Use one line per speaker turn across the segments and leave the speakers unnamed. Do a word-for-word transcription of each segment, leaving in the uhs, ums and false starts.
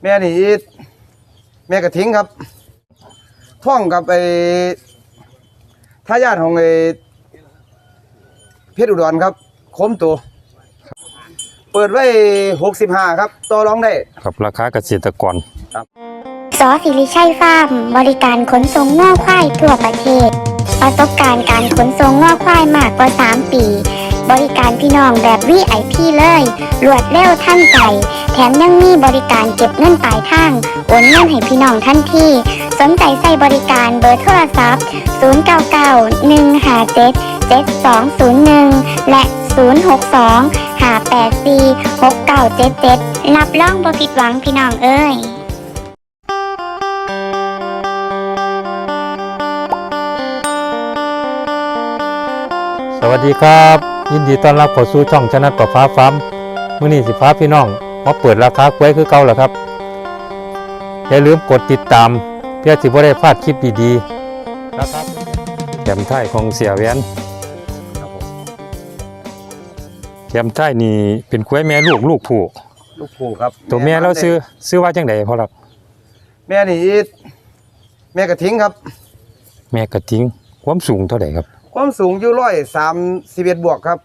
แม่นี่แม่กระทิงครับท่องกับไอ้ทายาทของไอ้เพชรอุดรครับโคมตัวเปิดไว้หกสิบห้าครับต่อรองได้
ครับราคาเกษตรกร
ครับ
สอสิริชัยฟาร์มบริการขนส่งง่อควายทั่วประเทศประสบการณ์การขนส่งง่อควายมากกว่าสามปีบริการพี่น้องแบบ วี ไอ พี เลยรวดเร็วทันใจแถมยังมีบริการเก็บเงินปลายทางโอนเงินให้พี่น้องทันทีสนใจใส่บริการเบอร์โทรศัพท์ศูนย์ เก้า เก้า หนึ่ง ห้า เจ็ด เจ็ด สอง ศูนย์ หนึ่งและศูนย์ หก สอง ห้า แปด สี่ หก เก้า เจ็ด เจ็ดรับรองบ่ผิดหวังพี่น้องเอ้ย
สวัสดีครับยินดีต้อนรับเข้าสู่ช่องชนะประฟ้าฟาร์มมื้อนี้สิฟ้าพี่น้องมาเปิดราคากล้วยคือเก่าแล้วครับอย่าลืมกดติดตามเพื่อสิบ่ได้พลาดคลิปดีๆนะครับแคมไทยของเสียแหวนแคมไทยนี่เป็นกล้วยแม่ลูกลูกผู้
ลูกผู้ครับ
ตัวแม่เราซื้อซื้อว่าจังได๋พ่อครับ
แม่นี่แม่กระทิงครับ
แม่กระทิงความสูงเท่าไหร่ครับ
ความสูงอยู่ร้อยสามสิบเอ็ดบวกครับ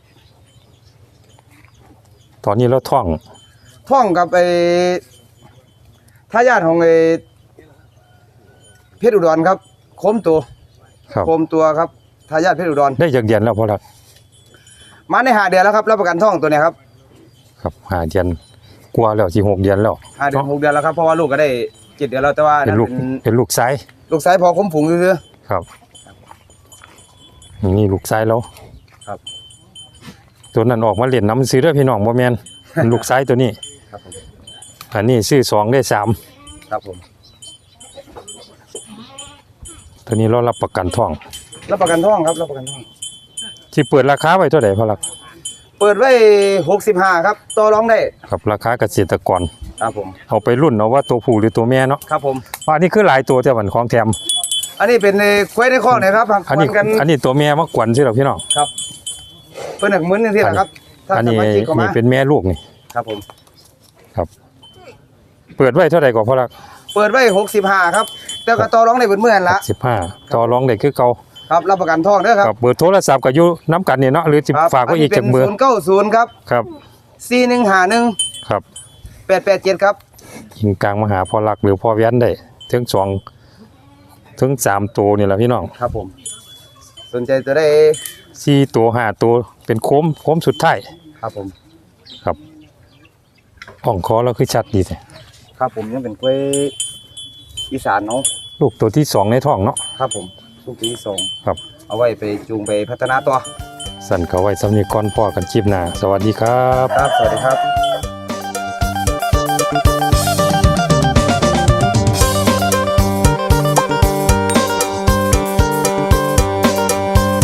ตอนนี้เราท่อง
ท่องกับไอ้ทายาทของไอ้เพชรอุดรครับโคมตัวโคมตัวครับทายาทเพชรอุดร
ได้จากเดือนแล้วพ่อครับ
มาในห้าเดือนแล้วครับรับประกันท่องตัวนี้ครับ
ครับห้าเดือนกว่าแล้วสิหกเดือนแล้ว
ห้าเดือนหกเดือนแล้วครับเพราะว่าลูกก็ได้เจ็ดเดือนแล้วแต่ว่า
เป็นลูกเป็นลูกไซส์
ลูกไซส์พอคุ้มฝูงซื่อ
ครับนี่ลูกไซส์แล้ว
ครับ
ตัวนั้นออกมาเล่นน้ำซื้อเด้อพี่น้องบ่แม่นลูกไซส์ตัวนี้
ครับผม
อันนี้ซื้อสองได้สาม
ครับผม
ตัวนี้เรารับประกันท่อง
รับประกันท่องครับรับประกันท่อง
ที่เปิดราคาไว้เท่าไหร่พ่อครับ
เปิดไว้หกสิบห้าครับต่อรองได้
ครับราคาเกษตรกร
ครับผม
เอาไปรุ่นเอาว่าตัวผู้หรือตัวแม่เนาะ
ครับผม
อันนี้คือหลายตัวแต่วันของแถม
อันนี้เป็นควายในข้อนะครับ
อันนี้อันนี้ตัวแม่มากวนใช่หรอพี่น้อง
ครับเพิ่นหนักเหมือนนี่แหละครับ
อันนี้นี่เป็นแม่ลูกนี่
ครับผม
ครับเปิดไว้เท่าไหร่ก่อนพ่อรัก
เปิดไว้หกสิบห้าครับแต่ก็ต่อรองได้เมื่อนละ
สิบห้าต่อรองได้คือเก่า
ครับรับประกันท่องด้วยครับ
เบอร์โทรศัพท์ก็อยู่น้ำกันนี่เนาะหรือจะฝากไว้อีกจากเบอร์
ศูนย์เก้าศูนย์ครับ
ครับ
สี่หนึ่งห้าหนึ่ง
ครับ
แปดแปดเจ็ดครับ
ยิงกลางมาหาพ่อรักหรือพ่อแว้นได้ถึงสองถึงสามตัวนี่แหละพี่น้อง
ครับผมสนใจจะได้
สี่ตัวห้าตัวเป็นโค้มโค้มสุดท้าย
ครับผม
ครับอ่องคอเราคือชัดดีเลย
ครับผมยังเป็นกล้วยอีสานเนาะ
ลูกตัวที่สองในท้องเนาะ
ครับผมลูกตัวที่สอง
ครับ
เอาไว้ไปจูงไปพัฒนาตัว
สั่นเขาไว้สำนีก่อนพ่อกันคลิปหน้าสวัสดีครับ
ครับสวัสดีครับ